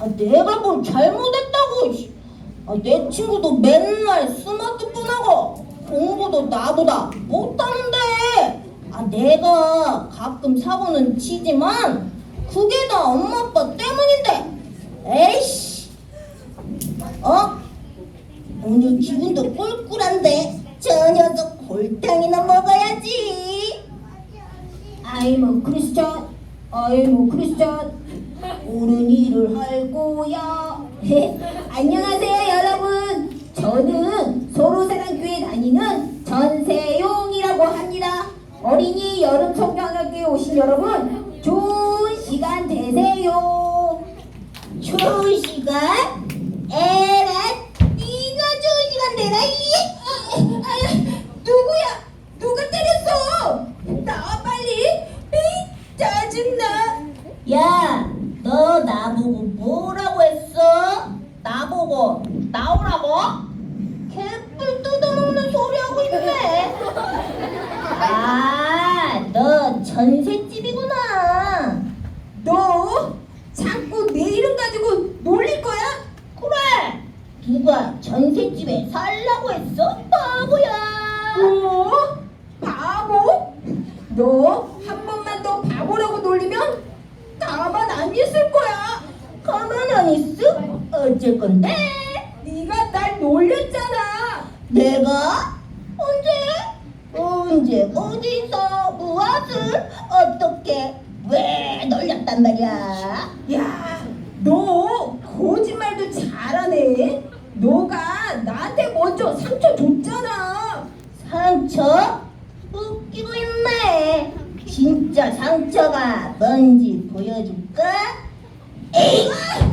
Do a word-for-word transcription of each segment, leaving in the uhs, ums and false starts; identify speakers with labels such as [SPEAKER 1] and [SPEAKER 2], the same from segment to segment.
[SPEAKER 1] 아, 내가 뭘 잘못했다고. 씨. 아, 내 친구도 맨날 스마트폰하고 공부도 나보다 못하는데. 아, 내가 가끔 사고는 치지만 그게 다 엄마 아빠 때문인데. 에이씨. 어? 오늘 기분도 꿀꿀한데 저 녀석 골탕이나 먹어야지. 아이 뭐 크리스찬, 아이 뭐 크리스찬, 옳은 일을 할 거야. 안녕하세요 여러분. 저는 소로사랑교회 다니는 전세용이라고 합니다. 어린이 여름 성경학교에 오신 여러분 좋은 시간 되세요. 좋은 시간? 에라, 네가 좋은 시간 되라. 이 누구야? 누가 때렸어? 나와 빨리. 에이, 짜증나. 야, 너 나보고 뭐라고 했어? 나보고 나오라고? 개뿔 뜯어먹는 소리 하고 있네. 아, 너 전셋집이구나. 너 자꾸 내 이름 가지고 놀릴 거야? 그래. 누가 전셋집에 살라고 했어? 바보야. 뭐? 바보? 너 한 번만 더 바보라고 놀리면 가만 안 있을 거야. 가만 안 있어? 어쩔 건데? 네가 날 놀렸잖아. 내가? 언제? 언제? 어디서? 무엇을? 어떻게? 왜 놀렸단 말이야? 야, 너 거짓말도 잘하네. 너가 나한테 먼저 상처 줬잖아. 상처? 웃기고 있네. 진짜 상처가 뭔지 보여줄까? 에이!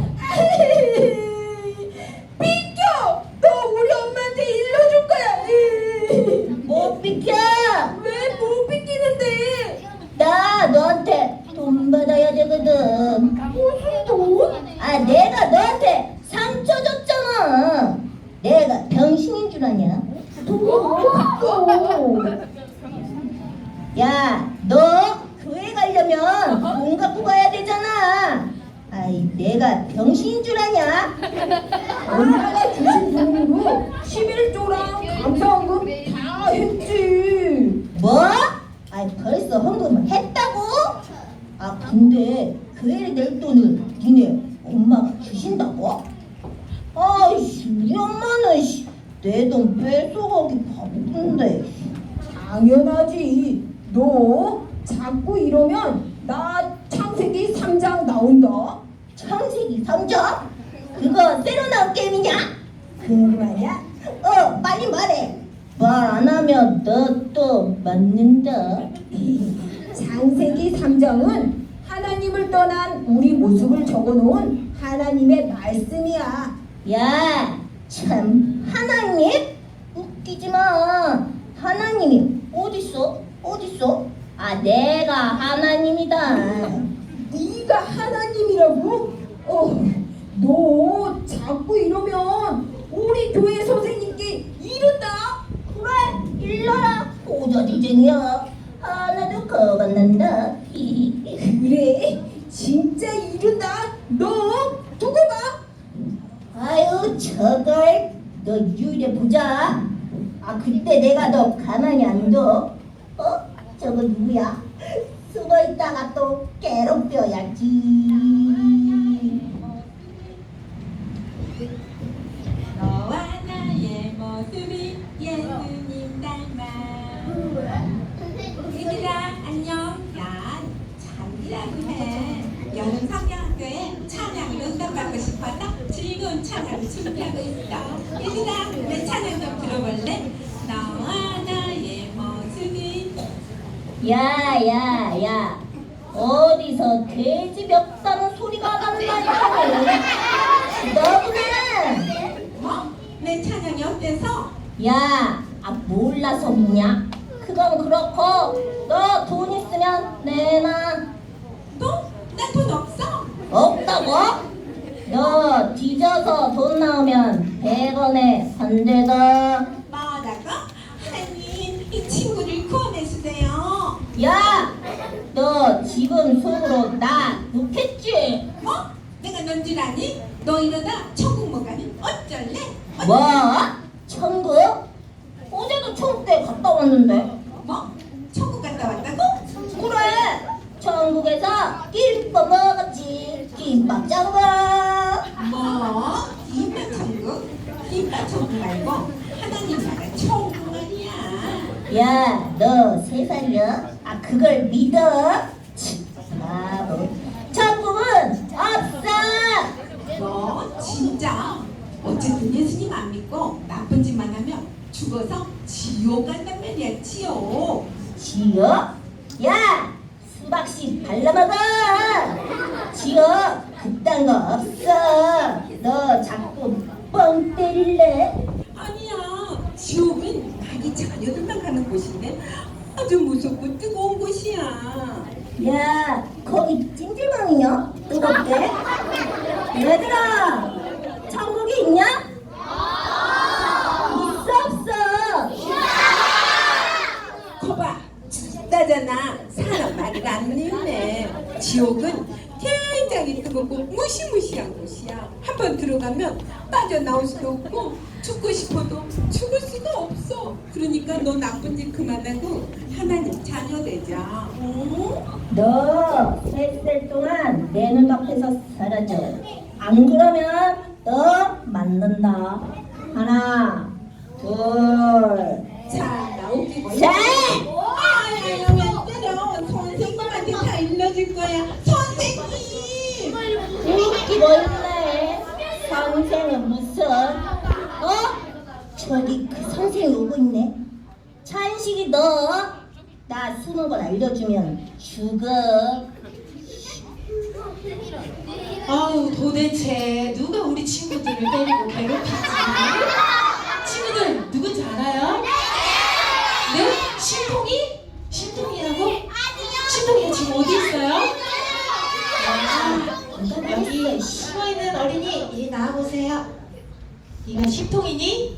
[SPEAKER 1] 비켜! 너 우리 엄마한테 일러줄 거야. 에이. 못 비켜! 왜 못 비키는데? 나 너한테 돈 받아야 되거든. 무슨 돈? 아, 내가 너한테 상처 줬잖아. 내가 병신인 줄 아냐? 돈. 야, 너 교회 가려면 돈 갖고 가야 되잖아. 아이, 내가 병신인 줄 아냐? 엄마가 주신 돈으로 십일조랑 감사헌금 다 했지. 뭐? 아이, 벌써 헌금을 했다고? 아, 근데 교회에 낼 돈을 니네 엄마가 주신다고? 아이씨, 우리 엄마는 내 돈 뺏어가기 바쁜데. 당연하지. 너 자꾸 이러면 나 창세기 삼 장 나온다. 창세기 삼 장? 그거 새로 나온 게임이냐? 그 말이야? 어, 빨리 말해. 말 안 하면 너 또 맞는다. 창세기 삼 장은 하나님을 떠난 우리 모습을 적어놓은 하나님의 말씀이야. 야, 참, 하나님? 웃기지 마. 하나님이 어딨어? 어딨어? 아, 내가 하나님이다. 네가 하나님이라고? 어, 너 자꾸 이러면 우리 교회 선생님께 이른다. 그래, 일러라. 오저지쟁이야. 하나도 겁안난다. 그래, 진짜 이른다. 너 두고 봐. 아유, 저걸 너 유일해 보자. 아, 그때 내가 너 가만히 안 둬. 어? 저거 누구야? 숨어있다가 또 괴롭혀야지.
[SPEAKER 2] 너와 나의 모습이 예수님 닮아. 얘들아 안녕. 난 장기라고 해. 여름 성경학교에 찬양으로 응답받고 싶어서 즐거운 찬양을 준비하고 있어. 얘들아 내 찬양 좀 들어볼래? 너와 나의 모습이.
[SPEAKER 1] 야야야, 야, 야. 어디서 돼지 멱다는 소리가 난다니까. 너구나.
[SPEAKER 2] 뭐? 내 찬양이 어때서?
[SPEAKER 1] 야, 아, 몰라서 묻냐? 그건 그렇고 너 돈 있으면 내놔.
[SPEAKER 2] 또? 나 돈 없어.
[SPEAKER 1] 없다고? 너 뒤져서 돈 나오면 백 원에 산대다.
[SPEAKER 2] 뭐라고? 하나님 이 친구를 구원해주세요.
[SPEAKER 1] 야, 너 지금 속으로 나 욕했지?
[SPEAKER 2] 뭐? 내가 넌 줄 아니? 너 이러다 천국 못 가면 어쩔래?
[SPEAKER 1] 뭐? 천국? 어제도 천국 때 갔다 왔는데.
[SPEAKER 2] 뭐? 천국 갔다 왔다고?
[SPEAKER 1] 그래. 천국에서 김밥 먹었지. 김밥 장국.
[SPEAKER 2] 뭐? 김밥 천국? 김밥 천국 말고 하나님 나라 천국 아니야.
[SPEAKER 1] 야, 너 세 살이야? 아, 그걸 믿어? 치, 바보. 천국은 없어.
[SPEAKER 2] 너 진짜 어쨌든 예수님 안 믿고 나쁜 짓만 하면 죽어서 지옥 간단 말이야. 지옥.
[SPEAKER 1] 지옥? 야, 수박씨 발라먹어. 지옥 그딴 거 없어. 너 자꾸 뻥 때릴래?
[SPEAKER 2] 아니야. 지옥은 자기 자녀들만 가는 곳인데 아주 무섭고 뜨거운 곳이야.
[SPEAKER 1] 야, 거기 찜질방이냐? 뜨겁게? 얘들아, 천국이 있냐? 있어 없어?
[SPEAKER 2] 거봐, 죽다잖아. 사람 말을 안 믿네. 지옥은 굉장히 뜨겁고 무시무시한 곳이야. 한번 들어가면 빠져나올 수도 없고 죽고 싶어도 죽을 수가 없어. 그러니까 너 나쁜 짓 그만하고 하나님 자녀 되자. 응?
[SPEAKER 1] 너 세 살 동안 내 눈앞에서 사라져. 안 그러면 너 맞는다. 하나, 둘,
[SPEAKER 2] 자, 나 웃기고.
[SPEAKER 1] 셋!
[SPEAKER 2] 아야야, 왜 때려? 선생님한테 다 일러줄 거야. 선생님!
[SPEAKER 1] 웃기고 있네. 선생은 무슨? 어? 저기 그 선생이 오고 있네. 찬식이 너 나 쓰는 걸 알려주면 죽어.
[SPEAKER 3] 아우 도대체 누가 우리 친구들을 때리고 괴롭히지? 친구들 누군지 알아요? 네? 신통이? 신통이라고? 신통이가 지금 어디 있어요? 아, 여기 숨어있는 어린이 이리 나와보세요. 네가 신통이니?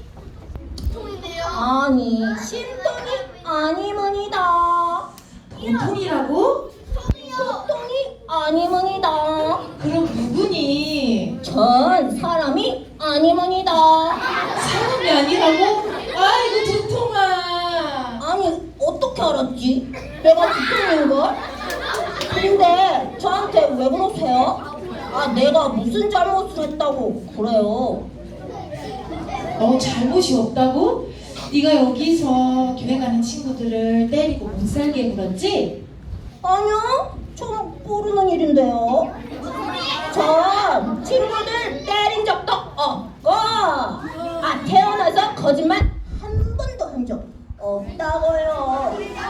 [SPEAKER 1] 아니, 신통이 아니문이다.
[SPEAKER 3] 보통이라고?
[SPEAKER 1] 신통이 아니문이다.
[SPEAKER 3] 그럼 누구니?
[SPEAKER 1] 전 사람이 아니문이다.
[SPEAKER 3] 사람이 아니라고? 아이고 두통아.
[SPEAKER 1] 아니, 어떻게 알았지? 내가 두통인걸? 근데 저한테 왜 그러세요? 아, 내가 무슨 잘못을 했다고 그래요?
[SPEAKER 3] 어 잘못이 없다고? 네가 여기서 교회 가는 친구들을 때리고 못 살게 굴었지?
[SPEAKER 1] 아니요, 전 모르는 일인데요. 전 친구들 때린 적도 없고, 아, 태어나서 거짓말 한 번도 한 적 없다고요.